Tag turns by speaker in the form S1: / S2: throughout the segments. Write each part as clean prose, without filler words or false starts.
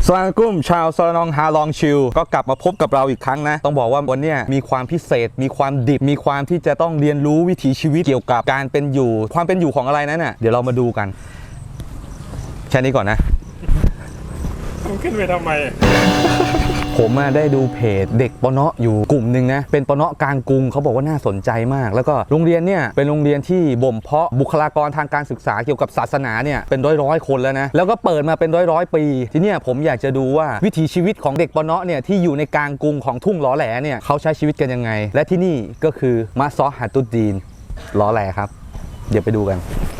S1: สวัสดีกุ้มชาวซอลนองฮาลองชิลก็กลับมาพบกับเราอีกครั้งนะต้องบอกว่าวันนี้มีความพิเศษมีความดิบมีความที่จะต้องเรียนรู้วิถีชีวิตเกี่ยวกับการเป็นอยู่ความเป็นอยู่ของอะไรนั้นน่ะเดี๋ยวเรามาดูกันแค่นี้ก่อนนะ
S2: ขึ้นไปทำไม
S1: ผมได้ดูเพจเด็กปเนาะอยู่กลุ่มหนึ่งนะเป็นปเนาะกลางกรุงเขาบอกว่าน่าสนใจมากแล้วก็โรงเรียนเนี่ยเป็นโรงเรียนที่บ่มเพาะบุคลากรทางการศึกษาเกี่ยวกับศาสนาเนี่ยเป็นร้อยคนแล้วนะแล้วก็เปิดมาเป็นร้อยปีทีเนี้ยผมอยากจะดูว่าวิถีชีวิตของเด็กปเนาะเนี่ยที่อยู่ในกลางกรุงของทุ่งหล่อแหลเนี่ยเขาใช้ชีวิตกันยังไงและที่นี่ก็คือมะซอฮัตุดดีนหล่อแหลครับเดี๋ยวไปดูกัน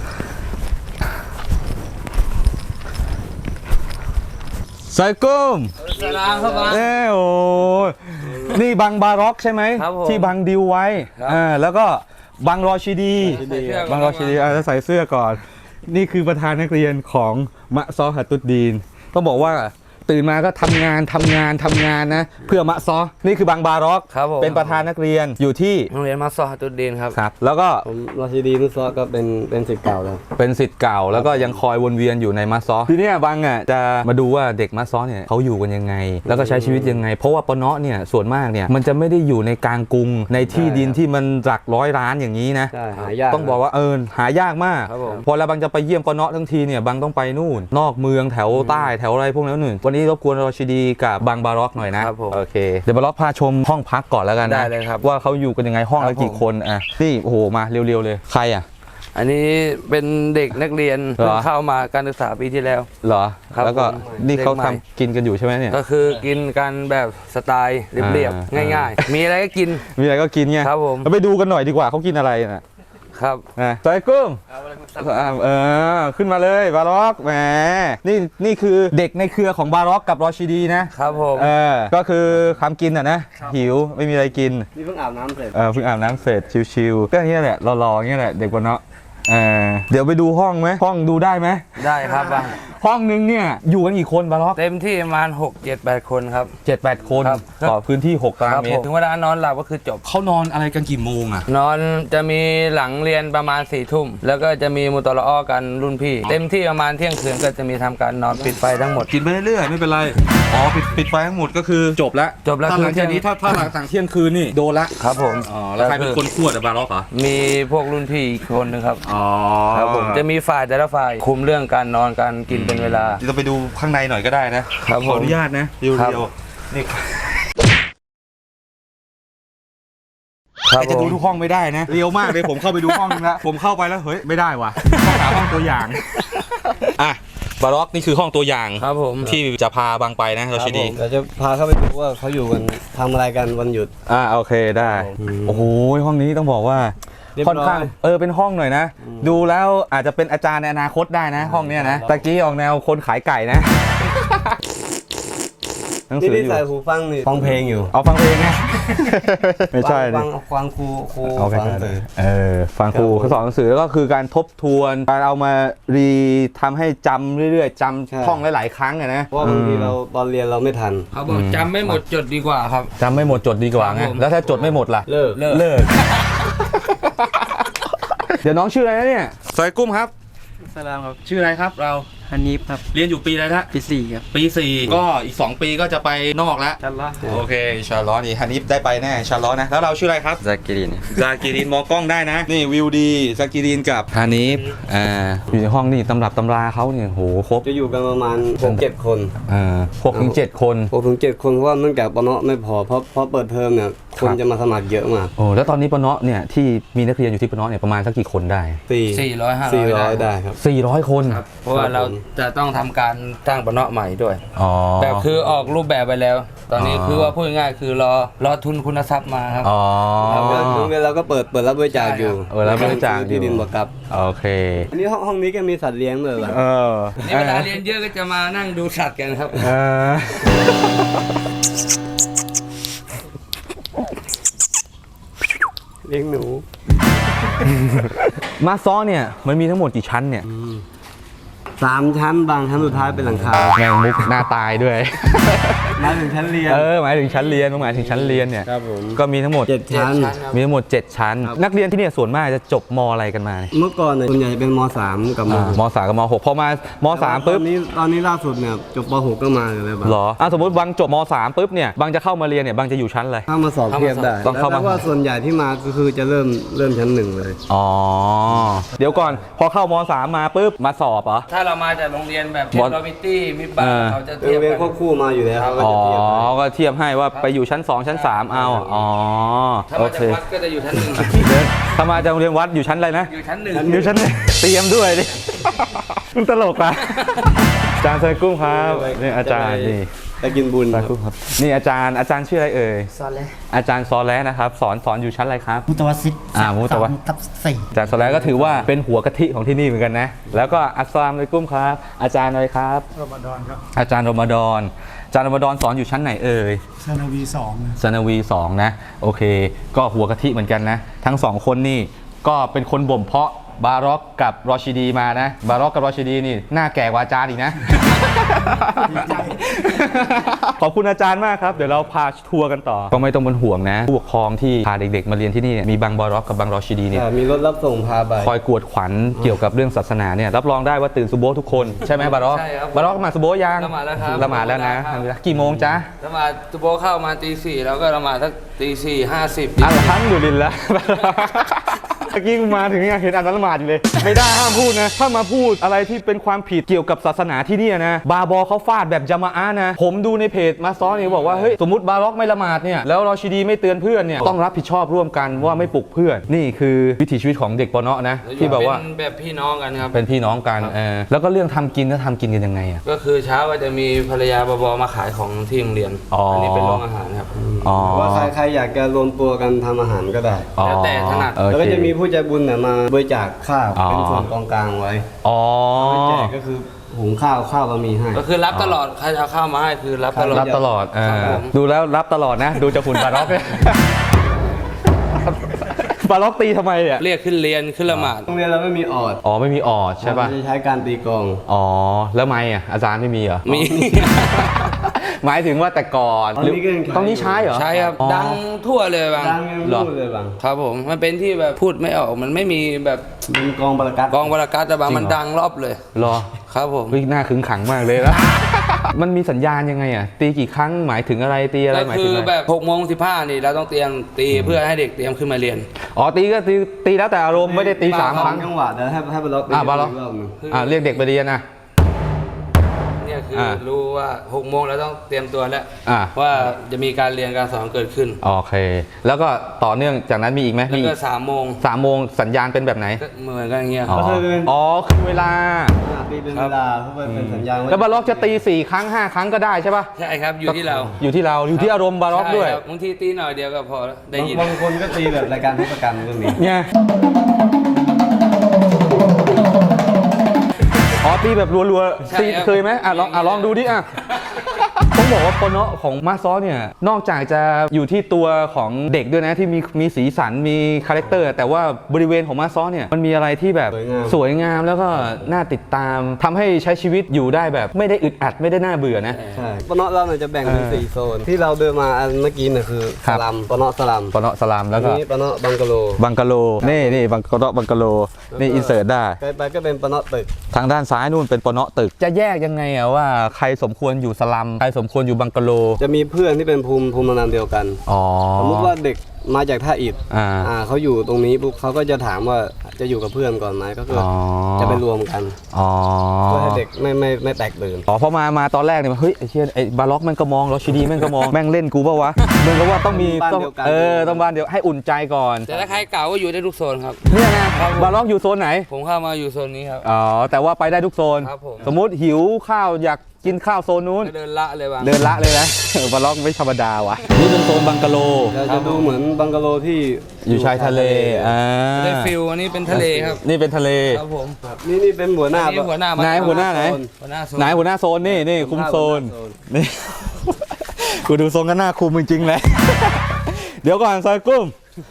S1: ไซกุ้มโอ้นี่บังบาร็อกใช่ไหมที่บังดิวไว้แล้วก็บังรอชิดีบังรอชิดีจะใส่เสื้อก่อนนี่คือประธานนักเรียนของมะซอฮัตุดดีนต้องบอกว่าตื่นมาก็ทำงานนะเพื่อมะซอนี่คือบังบาร็อกเป็นประธานนักเรียนอยู่ที่
S3: โรงเรียนมะซอฮัตุดดีนครับ
S1: แล้วก็
S4: ผมรอชิดีนุซอก็เป็นศิษย์เก่าแล้ว
S1: เป็นศิษย์เก่าแล้วก็ยังคอยวนเวียนอยู่ในมะซอทีนี้บังจะมาดูว่าเด็กมะซอเนี่ยเขาอยู่กันยังไงแล้วก็ใช้ชีวิตยังไงเพราะว่าปเนาะเนี่ยส่วนมากเนี่ยมันจะไม่ได้อยู่ในกลางกรุงในที่ดินที่มันหลักร้อยล้านอย่างนี้นะ
S4: หายาก
S1: ต้องบอกว่าหายากมากพอแล้วบังจะไปเยี่ยมปเนาะทั้งทีเนี่ยบังต้องไปนู่นนอกเมืองแถวใต้แถวอะไรพวกนั้นนู่นวันนี้รบกวนรอชิดีกับบังบาร็อกหน่อยนะโอเคเดี๋ยวบาร็อกพาชมห้องพักก่อนแล้วกันนะ
S3: ได้เลยครับ
S1: ว่าเขาอยู่กันยังไงห้องละกี่คนนี่โอ้โหมาเร็วๆเลยใคร
S3: อันนี้เป็นเด็กนักเรียนเข้ามาการศึกษาปีที่แล้ว
S1: เหรอแล้วก็นี่เขาทำกินกันอยู่ใช่ไหมเนี่ย
S3: ก็คือกินกันแบบสไตล์เรียบๆง่ายๆมีอะไรก็กิน
S1: ไง
S3: ครับผม
S1: เราไปดูกันหน่อยดีกว่าเขากินอะไรนะครับไซกุ้งขึ้นมาเลยบาร็อกแหมนี่คือเด็กในเครือของบาร็อกกับรอชิดีนะครับ
S3: ผม
S1: ก็คือคำกินนะหิวไม่มีอะไรกิน
S4: นี่เพิ่งอาบน้ำเสร็จ
S1: เพิ่งอาบน้ำเสร็จชิวๆก็นี่แหละรอๆนี่แหละเด็กปเนาะเดี๋ยวไปดูห้องไหมห้องดูได้ไหม
S3: ได้ครับ
S1: ห้องนึงเนี่ยอยู่กันกี่คนบาร็อก
S3: เต็มที่ประมาณ 6-7-8 คนครับ
S1: 7-8 คนต่อพื้นที่6ตารางเมตร
S3: ถึงเวลานอนหลับก็คือจบ
S1: เขานอนอะไรกันกี่โมง
S3: นอนจะมีหลังเรียนประมาณ4 ทุ่มแล้วก็จะมีมุตะละอ้อกันรุ่นพี่เต็มที่ประมาณเที่ยงคืนก็จะมีทำการนอนปิดไฟทั้งหมด
S1: กินไปเรื่อยๆไม่เป็นไรปิดไฟทั้งหมดก็คือจบแล้ว
S3: ถ้า
S1: หลังจากนี้ถ้าหลังสั่งเที่ยงคืนนี่โดนละ
S3: ครับผม
S1: แล้วใครเป็นคนขวดบาร็อกเหรอ
S3: มีพวกรุ่นพี่อีกคนนึงครับครับผมจะมีฝ่ายแต่ละฝ่ายคุมเรื่องการนอนการกินเป็นเวลา
S1: จะไปดูข้างในหน่อยก็ได้นะขออนุญาตนะเดียวนี่จะดูทุกห้องไม่ได้นะเรียวมากเลยผมเข้าไปดูห้องนึงแล้วผมเข้าไปแล้วเฮ้ยไม่ได้ว่ะต้องหาห้องตัวอย่างบาร็อกนี่คือห้องตัวอย่าง
S3: ครับผม
S1: ที่จะพาบังไปนะเราชิดี
S4: เราจะพาเข้าไปดูว่าเขาอยู่กันทำอะไรกันวันหยุด
S1: โอเคได้โอ้โหห้องนี้ต้องบอกว่าค่อนข้างเป็นห้องหน่อยนะดูแล้วอาจจะเป็นอาจารย์ในอนาคตได้นะห้องเนี้ยนะตะกี้ออกแนวคนขายไก่นะ
S4: นี่ใส่หูฟังนี่ฟังเพลงอยู่
S1: ฟังเพลงไงไม่ใช่
S4: ฟังครู
S1: ฟังฟังครูเขาสอนหนังสือแล้วก็คือการทบทวนการเอามาทำให้จำเรื่อยๆจำท่องหลายๆครั้งนะ
S4: เพราะบางทีเราตอนเรียนเราไม่ทัน
S3: เขาบอกจำไม่หมดจดดีกว่าครับ
S1: จำไม่หมดจดดีกว่าไงแล้วถ้าจดไม่หมดล่ะ
S4: เลิก
S1: เดี๋ยวน้องชื่ออะไรนะเนี่ยไซกุ้มครับ
S4: สลามครับ
S1: ชื่ออะไรครับเรา
S4: ฮันนีฟครับ
S1: เรียนอยู่ปีอะไรนะ
S4: ปี4ครับ
S1: ปี4ก็อีก2ปีก็จะไปนอกแล้ว
S4: ชาร์ลอต
S1: โอเคชาร์ลอตนี่ฮันนีฟได้ไปแน่ชาร์ลอตนะแล้วเราชื่ออะไรครับ
S4: ซากิ
S1: รินมองกล้องได้นะนี่วิวดีซากิรินกับฮันนีฟอยู่ในห้องนี่ตำรับตำราเขาเนี่ยโหครบ
S4: จะอยู่กันประมาณ 6-7 คน
S1: 6-7 คน
S4: เพราะว่าเนื่องจากปเนาะไม่พอเพราะเปิดเทอมเนี่ยคนจะมาสมัครเยอะมาก
S1: แล้วตอนนี้ปเนาะเนี่ยที่มีนักเรียนอยู่ที่ปเนาะเนี่ยประมาณสักกี่คนได้
S3: 400-500
S4: ได้ครับ
S1: 400 คน
S3: เพราะว่าเราจะต้องทำการสร้างปเนาะใหม่ด้วยแบบคือออกรูปแบบไปแล้วตอนนี้คือว่าพูดง่ายๆคือรอทุนคุณทรัพย์มาครับ
S4: เราก็เปิดรับบริจาคอยู่
S1: รับบริจาค
S4: ที่ดินบ่กับ
S1: โอเค
S4: อันนี้ห้องนี้ก็มีสัตว์เลี้ยงเลยเหรอ
S3: นี่เวลาเรียนเยอะก็จะมานั่งดูสัตว์กันครับ
S4: เลี้ยงหนู
S1: มาซ้อเนี่ยมันมีทั้งหมดกี่ชั้นเนี่ย
S4: 3 ชั้นบางชั้นสุดท้ายเป็นหลังคา
S1: แมงมุกหน้าตายด้วย
S4: มาถึงชั้นเรียน
S1: หมายถึงชั้นเรียนหมายถึงชั้นเรียนเนี่ย
S4: ครับผม
S1: ก็มีทั้งหมด
S4: 7 ชั้น
S1: มีทั้งหมด 7 ชั้น นักเรียนที่เนี่ยส่วนมากจะจบมอะไรกันมาเนี่ย
S4: เมื่อก่อนเนี่ยส่วนใหญ่จะเป็นม .3 กับม
S1: ม3กับม6พอมาม3ปุ๊บ
S4: ตอนนี้ล่าสุดเนี่ยจบป .6 ก็มาเลยแบบ
S1: เหรอสมมติบางจบม3ปุ๊บเนี่ยบางจะเข้ามาเรียนเนี่ยบางจะอยู่ชั้นอะไร
S4: เข้ามาสอบเทียบได้
S1: ต้องเข้ามา
S4: แล้วว่าส่วนใหญ่ที่มาก็คือจะเริ่มชั้น 1เลย
S1: อ๋อเดี๋ยวก่อนพอเข้าม3มาปุ๊บมาสอบเหรอ
S3: ถ้าเรามาจากโรงเรียนแบบ
S1: บอล
S3: โรบิตี้มิบาเขาจะ
S4: โร
S3: เทียบ
S4: งเรียน
S3: กัน
S4: ควบคู่มาอยู่แล้วเขาก็
S1: อ๋อ
S4: จะเทียบให้
S1: ก็เทียบให้ว่าไปอยู่ชั้น 2 ชั้น 3 เอาอ๋อ
S3: ถ้า
S1: โอ
S3: มา
S1: เค
S3: จากวัดก็จะอยู่ชั้นหนึ่ง
S1: ถ้ามาจากโรงเรียนวัดอยู่ชั้นอะไรนะ
S3: อยู่ชั้นหนึ่ง
S1: อยู่ชั้นเตรียมด้วยดิ มันตลกอ่ะอาจารย์ไซกุ้งครับนี่อาจารย์นี่
S4: ไปกินบุญ
S1: ไซกุ้งครับนี่อาจารย์ชื่ออะไรเอ่ย
S5: ซอนเลย
S1: อาจารย์ซอแลนะครับสอนอยู่ชั้นอะไรครับ
S5: มุตวสิทธิ์
S1: มุตวะ
S5: ทับสี่
S1: อาจารย์ซอแลก็ถือว่าเป็นหัวกะทิของที่นี่เหมือนกันนะแล้วก็อัสสลามุอะลัยกุมครับ อาจารย์อะไรครับ
S2: รอมฎอนครับ
S1: อาจารย์รอมฎอนอาจารย์รอมฎอนสอนอยู่ชั้นไหนเอ่ย
S2: ซานาวี2นะ
S1: สนวี2นะโอเค ก็หัวกะทิเหมือนกันนะทั้งสองคนนี่ก็เป็นคนบ่มเพาะบาร็อกกับรอชิดีมานะบาร็อกกับรอชิดีนี่หน้าแก่กว่าอาจารย์อีกนะ ขอบคุณอาจารย์มากครับเดี๋ยวเราพาทัวร์กันต่อก็ไม่ต้องเป็นห่วงนะผู้ปกครองที่พาเด็กๆมาเรียนที่นี่เนี่ยมีบางบาร็อกกับบางรอชิดีเนี่ย
S4: มีรถรับส่งพาไป
S1: คอยกวดขวัญเกี่ยวกับเรื่องศาสนาเนี่ยรับรองได้ว่าตื่นซุโบทุกคนใช่ไหมบาร็อก
S3: ใช่ครับ
S1: บาร็อกมาซุโบยัง
S3: ละหมาดแล้วครับ
S1: ละหมาดแล้วนะ
S3: ละหมาดแล้วครับ
S1: กี่โมงจ๊ะ
S3: ละหมาดตุโบเข้ามาตี 4แล้วก็ละหมาดสักตี 4:50
S1: อัลฮัมดุลิลละ เมื่อกี้กูมาถึงยังเห็นอันนั้นละหมาดอยู่เลย ไม่ได้ห้ามพูดนะ ถ้ามาพูดอะไรที่เป็นความผิดเกี่ยวกับศาสนาที่เนี่ยนะ บาบอเขาฟาดแบบจามะอะห์นะ ผมดูในเพจมาซ้อนนี่บอกว่า เฮ้ย สมมติบาร็อกไม่ละหมาดเนี่ย แล้วรอชิดีไม่เตือนเพื่อนเนี่ย ต้องรับผิดชอบร่วมกันว่าไม่ปลุกเพื่อน นี่คือวิถีชีวิตของเด็กปอเนาะนะ ที่แบบว่า
S3: เป็นแบบพี่น้องกันครับ
S1: เป็นพี่น้องกันแล้วก็เรื่องทำกินก็ทำกินกันยังไงอะ
S3: ก็คือเช้าก็จะมีภรรยาบอบมาขายของที่โรงเรียน
S1: อ๋ออั
S3: นนี้เป็นโรงอาหารครับ
S1: อ๋อ
S4: ว่าใครอยากจะรวมตัวกันทำอาหารก็ได้
S3: แล้วแต่ถนัด
S1: โอเค
S4: แล้วก็จะมีผู้ใจบุญเนี่ยมาบริจาคข้าว
S1: อ๋อ
S4: เป็นส่วนกองกลางไว้
S1: อ๋อ
S4: ไม่แจกก็คือหุงข้าวบะหมี่ให้
S3: ก็คือรับตลอดใครจะเอาข้าวมาให้คือรับตลอด
S1: รับตลอด
S3: ครับผม
S1: ดูแล้วรับตลอดนะ ดูจากหุ่นบาร็อกเนี่ย บาร็อกตีทำไมเนี่ย
S3: เรียกขึ้นเรียนขึ้นละหมาด
S4: โรงเรียนเราไม่มีออด
S1: อ๋อไม่มีออดใช่ป่ะ
S4: เราจะใช้การตีกลอง
S1: อ๋อแล้วไม่อ่ะอาจารย์ไม่มีเหรอ
S3: มี
S1: หมายถึงว่าแต่ก่อน
S4: ตอนนี้ก็ยังใช้
S1: ตอนนี้ใช้เหรอ
S3: ใช่ครับ
S1: อ๋อ
S3: ดังทั่วเลยบาง
S4: ดังยัง
S1: เหรอ
S4: พูดเลยบาง
S3: ครับผมมันเป็นที่แบบพูดไม่ออกมันไม่มีแบบ
S4: เป็นกองประกัด
S3: กองบรกัตแต่บาง
S1: จริงเหรอ
S3: มันดังรอบเลย
S1: รอ
S3: ครับผม
S1: เฮ้ยหน้าขึงขังมากเลยแล้ว มันมีสัญญาณยังไงอ่ะตีกี่ครั้งหมายถึงอะไรตีอะไร
S3: ก็
S1: หมาย
S3: คื
S1: ถึง
S3: อ
S1: อะไร
S3: แบบ6:15นี่เราต้องเตรียมตีเพื่อให้เด็กเตรียมขึ้นมาเรียน
S1: อ๋อตีก็ตีแล้วแต่อารมณ์ไม่ได้ตี3 ครั้ง
S4: จังหวะเดี๋ยวให้บาล็อก
S1: บาร็อก
S4: กรอบหนึ่ง
S1: เรียกเด็กไปเรียนนะ
S3: เนี่ยคืออา รู้ว่า6:00แล้วต้องเตรียมตัวแล้ว
S1: อ่า
S3: ว่าจะมีการเรียนการสอนเกิดขึ้น
S1: โอเค แล้วก็ต่อเนื่องจากนั้นมีอีกไหม
S3: แล้ว
S1: มี
S3: ก็3:00
S1: 3 โมงสัญญาณเป็นแบบไหน
S3: ก็เหมือนกันอย่างเงี้ย
S1: อ๋ออ๋อคือเวลา
S4: ตีเป็นเวลาเพราะว่าเป็นสัญญาณ
S1: แล้วบาร็อกจะตี4 ครั้ง 5 ครั้งก็ได้ใช่ป่ะ
S3: ใช่ครับอยู่ที่เรา
S1: อยู่ที่เราอยู่ที่อารมณ์บาร็อกด้วย
S3: ใช่ครับบางทีตีหน่อยเดียวก็พอแล้วได้ยิน
S4: บางคนก็ตีแบบรายการเทศกาลก็มี
S1: เนี่ยอ๋อตีแบบรัว
S3: ใช่
S1: ๆตี
S3: ครับ
S1: เคยไหมลองดูดิอ่ะ ต้องบอกว่าปนของมาซอเนี่ยนอกจากจะอยู่ที่ตัวของเด็กด้วยนะที่มีสีสันมีคาแรคเตอร์แต่ว่าบริเวณของมาซอเนี่ยมันมีอะไรที่แบบสวยงามแล้วก็น่าติดตามทำให้ใช้ชีวิตอยู่ได้แบบไม่ได้อึดอัดไม่ได้น่าเบื่อนะ
S4: ใช่ปะเนาะเราเนี่ยจะแบ่งเป็น4โซนที่เราเดินมาอันเมื่อกี้เนี่ยคือ
S1: ครั
S4: ส
S1: บ
S4: ลัมปะเนาะสลัม
S1: ปนสลามแล้วก็
S4: อันนี้ปะเนาะบังกะโล
S1: บังกะโลนี่บังกะโลบังกะโลนี่อินเสิร์ตได้
S4: ไปก็เป็นปะเนาะตึก
S1: ทางด้านซ้ายนู่นเป็นปนตึกจะแยกยังไงอะว่าใครสมควรอยู่สลัมใครสมควรอยู่บังกะโล
S4: จะมีเพื่อนที่เป็นภูมิลำเนาเดียวกัน
S1: อ๋อ
S4: สมมติว่าเด็กมาจากท่าอิฐ เขาอยู่ตรงนี้ปุ๊บเขาก็จะถามว่าจะอยู่กับเพื่อนก่อนไหมก็คืออ
S1: อ
S4: จะไปรวมกัน
S1: อ๋อ
S4: เพื่อให้เด็กไม่แตกตื่น
S1: อ๋อพอมาตอนแรกเนี่ยเฮ้ยไอ้เชี่ยไอ้บาร็อกแม่งก็มองรอชิดีแม่งก็มอง แม่งเล่นกูเปล่าวะมึงก็ว่าต้องมี
S4: บ้าน
S1: ต้อง
S4: เดียวกัน
S1: ต้องบ้านเดียวให้อุ่นใจก่อน
S3: แต่ถ้าใครเก่าก็อยู่ได้ทุกโซนครับ
S1: เนี่ยนะบาร็อกอยู่โซนไหน
S3: ผมเข้ามาอยู่โซนนี้ครับ
S1: อ๋อแต่ว่าไปได้ทุกโซน
S3: ครับผม
S1: สมมุติหิวข้าวอยากกินข้าวโซนนู้น
S3: ก็เดินละเลยบาง
S1: เดินละเลยนะ บาร็อกไม่ธรรมดาว่ะนี่เป็นโซนบังกะโล
S4: เราจะดูเหมือนบังกะโลที่
S1: อยู่ชายทะเล
S3: ได้ฟิลอันนี้เป็นทะเลครับ
S1: นี่เป็นทะเล
S3: ครับผม
S4: นี่เป็นหัวหน้า
S3: อันนี้หัวหน้ามา
S1: ไหนหัวหน้าไหน
S3: หัวหน้าโซน
S1: ไหนหัวหน้าโซนนี่คุมโซน
S4: หัวหาโซน
S1: นี่ กูดูทรงก็น่าคุมจริงๆเลย เดี๋ยวก่อนซอยกุ้ม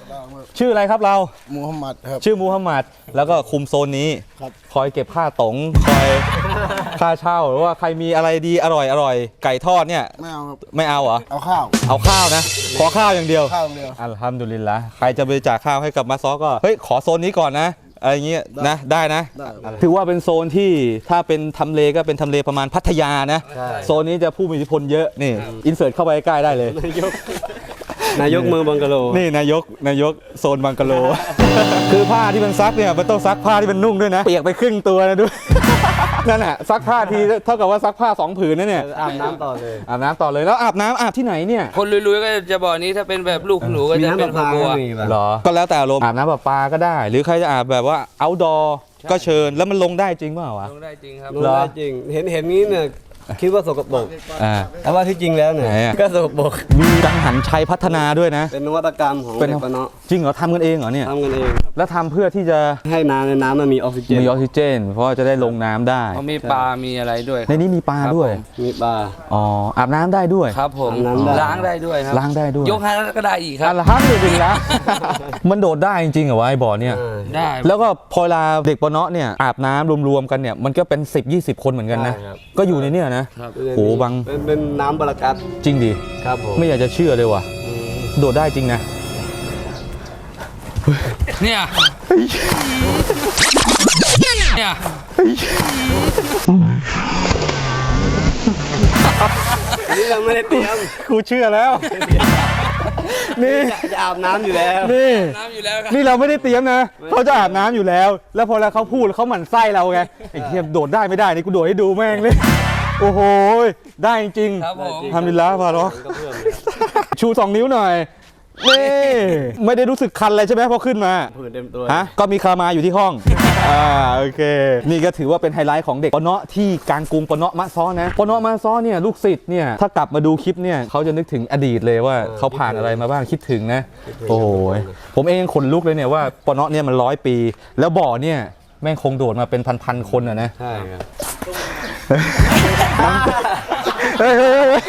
S1: ชื่ออะไรครับเรา
S5: มูฮัมหมัดครับ
S1: ชื่อมูฮัมหมัดแล้วก็คุมโซนนี้
S5: ครับ
S1: คอยเก็บค่าตงคอยค่าเช่าหรือว่าใครมีอะไรดีอร่อยไก่ทอดเนี่ย
S5: ไม่เอาครับ
S1: ไม่เอาเหรอ
S5: เอาข้าว
S1: เอาข้าวนะขอข้าวอย่างเดียว
S5: ข้าวเดียว
S1: อัลฮัมดุลิลละใครจะบริจาคข้าวให้กับมาซอก็เฮ้ยขอโซนนี้ก่อนนะอะไรเงี้ยนะได้นะ
S5: ได้ครับ
S1: ถือว่าเป็นโซนที่ถ้าเป็นทำเลก็เป็นทำเลประมาณพัทยานะ
S4: ใช่
S1: โซนนี้จะผู้มีอิทธิพลเยอะนี่อินเสิร์ตเข้าไปใกล้ได้เลย
S4: นายกเมืองบังกะโล
S1: นี่นายกโซนบังกะโล คือผ้าที่มันซักเนี่ยมันต้องซักผ้าที่มันนุ่งด้วยนะ เปียกไปครึ่งตัวนะด้วย นั่นแหะซักผ้าทีเท่ากับว่าซักผ้า2 ผืนนะเนี่ย
S4: อาบน้ำต่อเลย
S1: อาบน้ำต่อเลยแล้วอาบน้ำอาบที่ไหนเนี่ย
S3: คนลุยๆก็จะบอกนี้ถ้าเป็นแบบลูกหนูก็
S4: มี
S3: จะ
S4: น้ำ
S3: เป็
S4: ป
S3: น
S4: ลา
S3: ข
S4: ปลา
S3: บัว
S4: ก็มีแบบ
S1: เหรอก็แล้วแต่อารมณ์อาบน้ำประปาก็ได้ หรือใครจะอาบแบบว่า outdoor ก็เชิญแล้วมันลงได้จริงเปล่าวะ
S3: ลงได้จริงครับ
S4: ลงได้จริง เห็นนี้เนี่ยคิดว่าสกปรก
S1: อ่า
S4: แต่ว่าที่จริงแล้วเนี่ย
S1: ไหนอะ
S4: ก็สกปรก
S1: มีกังหันชัยพัฒนาด้วยนะ
S4: เป็นนวัตกรรมของ
S1: เป็น
S4: เด็กปะเนาะ
S1: จริงเหรอทำกันเองเหรอเนี่ย
S4: ทำกันเองครับ
S1: แล้วทำเพื่อที่จะ
S4: ให้น้ำในน้ำมันมีออกซิเจน
S1: มีออกซิเจน เพราะว่าจะได้ลงน้ำได้
S3: เขามีปลา มีอะไรด้วย
S1: ในนี้มีปลา
S3: ครับ
S1: ด้วย
S3: ผม
S4: มีปลา
S1: อ๋ออาบน้ำได้ด้วย
S3: ครับผม
S4: น้ำได้
S3: ล้างได้ด้วยครับ
S1: ล้างได้ด้วย
S3: ยกให้แล้วก็ได้อีกครับ
S1: อัลฮัมดุลิลละ มันโดดได้จริงๆเหรอวะไอ้บ่อเนี่ย
S3: ได้
S1: แล้วก็พอเวลาเด็กปะเนาะเนี่ยอาบน้ำรวมๆกันเนี่ยมันก็เป็น 10-20 คนเหมือนกันนะ
S4: ใช่ครับ
S1: ก็อยู่ในเนี่ยนะ
S3: ครับ
S1: โหบัง
S4: เป็นน้ำบารากัด
S1: จริงดิ
S4: ครับผม
S1: ไม่อยากจะเชื่อเลยว่ะ โดดได้จริงนะ
S3: เนี่ย เนี่ย
S4: อันนี้เราไม่ได้เตรียม
S1: กูเชื่อแล้ว นี่
S4: จะอาบน้ำอยู่แล้ว
S1: นี่
S3: น้ำอยู่แล้วครับ
S1: นี่เราไม่ได้เตรียมนะเขาจะอาบน้ำอยู่แล้ว แล้วพอแล้วเขาพูดเขาหมั่นไส้เราไงไอ้เทียมโดดได้ไม่ได้นี่กูโดดให้ดูแม่งเลย โอ้โหได้จริง
S3: ครับผม
S1: ทำดีแล้วพาร็อก
S4: ก็เพิ่ม
S1: ชู 2 นิ้วหน่อยนี่ไม่ได้รู้สึกคันอะไรใช่ไหมพอขึ้นมา
S4: ผืนเต็มตัว
S1: ฮะก็มีคามาอยู่ที่ห้อง โอเค นี่ก็ถือว่าเป็นไฮไลท์ของเด็กปะเนาะที่กลางกรุงปะเนาะมะซ้อนะปะเนาะมะซ้อเนี่ยลูกศิษย์เนี่ยถ้ากลับมาดูคลิปเนี่ยเขาจะนึกถึงอดีตเลยว่าเขาผ่านอะไรมาบ้างคิดถึงนะ โอ้โหผมเองขนลุกเลยเนี่ยว่าปะเนาะเนี่ยมัน100 ปี แล้วบ่อเนี่ยแม่งคงโดดมาเป็นพันๆคนอะนะ
S4: ใช่ครับ
S1: เฮ้ย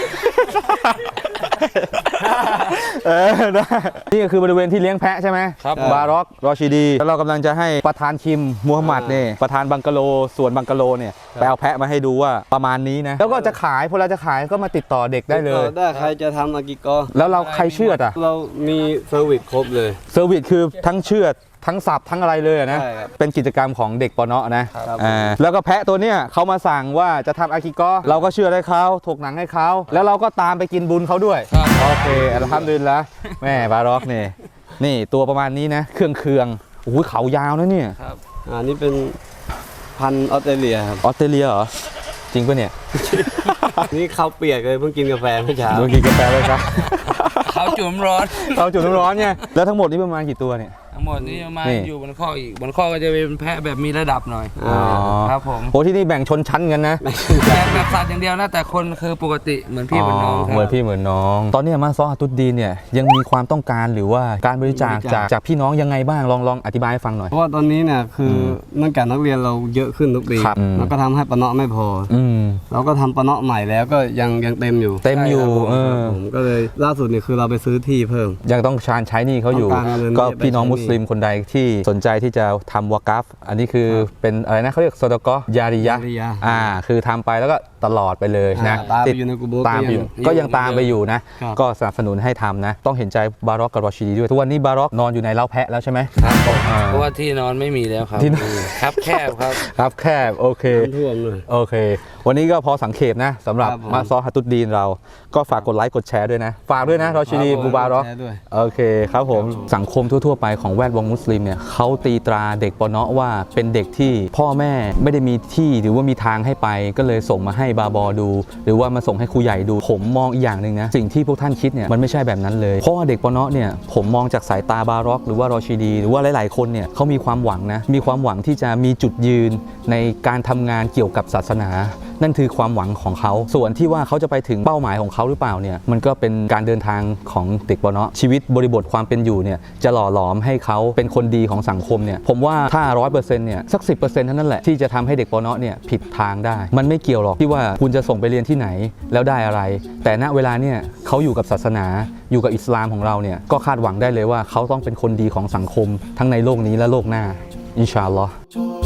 S1: ได้นี่ก็คือบริเวณที่เลี้ยงแพะใช่ไหม
S3: ครับ
S1: บาร็อกรอชิดี แล้วเรากำลังจะให้ประธานคิมมูฮัมหมัดเนี่ยประธานบังกะโลส่วนบังกะโลเนี่ยไปเอาแพะมาให้ดูว่าประมาณนี้นะ แล้วก็จะขายพอเราจะขายก็มาติดต่อเด็กได้เลย
S4: ได้ใครจะทำอากิโก
S1: แล้วเราใครเชือดอ่ะ
S4: เรามีเซอร์วิสครบเลย
S1: เซอร์วิสคือทั้งเชือดทั้งสับทั้งอะไรเลยอะนะ
S4: ใช่ครับ
S1: เป็นกิจกรรมของเด็กปอเนาะนะครับ แล้วก็แพะตัวเนี้ยเขามาสั่งว่าจะทำอากิโกะเราก็เชื่อให้เขาถกหนังให้เขาแล้วเราก็ตามไปกินบุญเขาด้วย
S3: ครับ
S1: โอเคอัลฮัมดุลิลละแม่บาร็อกนี่นี่ตัวประมาณนี้นะเครื่องโอ้โหเขายาวนะเนี่ย
S3: ครับ
S4: นี่เป็นพันธุ์ออสเตรเลียครับ
S1: ออสเตรเลียเหรอจริงปะเนี่ย
S4: นี่เขาวเปียกเลยเพิ่งกินกาแฟเมื่อเช้า
S1: โดนกินกาแฟเลยครับ
S3: เขาจุ่มร้อน
S1: เราจุดน้ำร้อนเนี่ยแล้วทั้งหมดนี่ประมาณกี่ตัวเนี่ย
S3: ทั้งหมดนี้มา
S1: นี่
S3: อยู่บนข้ออีก บนข้อก็จะเป็นแพะแบบมีระดับหน่อย
S1: อ๋อ
S3: ครับผม
S1: โอ้ที่นี่แบ่งชนชั้นกันนะ
S3: แบบสัตว์อย่างเดียวนะ แต่คนคือปกติเหมือนพี่เหมือนน้องครั
S1: เหมือนพี่เหมือนน้อง ตอนนี้มาซอฮาตุดดีนเนี่ยยังมีความต้องการหรือว่าการบริจาคจากพี่น้องยังไงบ้างลองอธิบายให้ฟังหน่อย
S4: เพราะว่าตอนนี้เนี่ยคือเนื่องจากนักเรียนเราเยอะขึ้นทุกปี
S1: ครับ
S4: แล้วก็ทำให้ปะเนาะไม่พอ
S1: อืม
S4: เราก็ทำปะเนาะใหม่แล้วก็ยังเต็มอยู่
S1: เต็มอยู่
S4: ใช่ครับผมก็เลยล่าสุดเนี่ยคือเราไปซื้อที่เพิ่ม
S1: ยังต้องชาญใช้หนี่เขาอยู่
S4: ต้องการเงิน
S1: ก็พี่น้อง
S4: ไปใช้หนี้
S1: มุสลิมคนใดที่สนใจที่จะทำวากัฟอันนี้คือเป็นอะไรนะเขาเรียกซอดกอยาริยะ
S4: ยาริยะ
S1: คือทำไปแล้วก็ตลอดไปเลยนะ
S4: ตามไปอยู่ในกุโบร์
S1: ตามไปอยู่ก็ยังตามไปอยู่นะ
S4: ครับ
S1: ก็สนับสนุนให้ทำนะ ต้องเห็นใจบาร็อกกับรอชีดีด้วยทุกวันนี้บาร็อกนอนอยู่ในเล้าแพะแล้วใช่ไหม
S3: ครับผม
S1: อ่า
S3: เพราะว่าที่นอนไม่มีแล้วครับ
S1: ที่นอน
S3: ครับแคบครับ
S1: ครับแคบโอเค
S4: น้ำท่วมเลย
S1: โอเค วันนี้ก็พอสังเขปนะสำหรับ
S4: ครับผม
S1: มาซอฮัตตุดดีนเราก็ฝากกดไลค์กดแชร์ด้วยนะ ฝากด้วยนะรอชิดี
S4: ครับผม
S1: บูบาร็อก
S4: แชร์ด้วย
S1: โอเคครับผมสังคมทั่ว ๆ ไปของแวดวงมุสลิมเนี่ยเขาตีตราเด็กปอเนาะว่าเป็นเด็กที่พ่อแม่ไม่ได้มีที่หรือว่ามีทางให้ไป ก็เลยส่งมาให้บาบอดู หรือว่ามาส่งให้ครูใหญ่ดูผมมองอีกอย่างหนึ่งนะสิ่งที่พวกท่านคิดเนี่ยมันไม่ใช่แบบนั้นเลยเพราะว่าเด็กปอเนาะเนี่ยผมมองจากสายตาบาร็อกหรือว่ารอชิดี หรือว่าหลายๆคนเนี่ยเขามีความหวังนะมีความหวังที่จะมีจุดยืนในการทำงานเกี่ยวกับศาสนานั่นคือความหวังของเขาส่วนที่ว่าเขาจะไปถึงเป้าหมายของเขาหรือเปล่าเนี่ยมันก็เป็นการเดินทางของเด็กปเนาะชีวิตบริบทความเป็นอยู่เนี่ยจะหล่อหลอมให้เขาเป็นคนดีของสังคมเนี่ยผมว่าถ้า 100% เนี่ยสัก 10% เท่านั้นแหละที่จะทำให้เด็กปเนาะเนี่ยผิดทางได้มันไม่เกี่ยวหรอกที่ว่าคุณจะส่งไปเรียนที่ไหนแล้วได้อะไรแต่ณเวลาเนี่ยเขาอยู่กับศาสนาอยู่กับอิสลามของเราเนี่ยก็คาดหวังได้เลยว่าเขาต้องเป็นคนดีของสังคมทั้งในโลกนี้และโลกหน้าอินชาอัลลอฮ์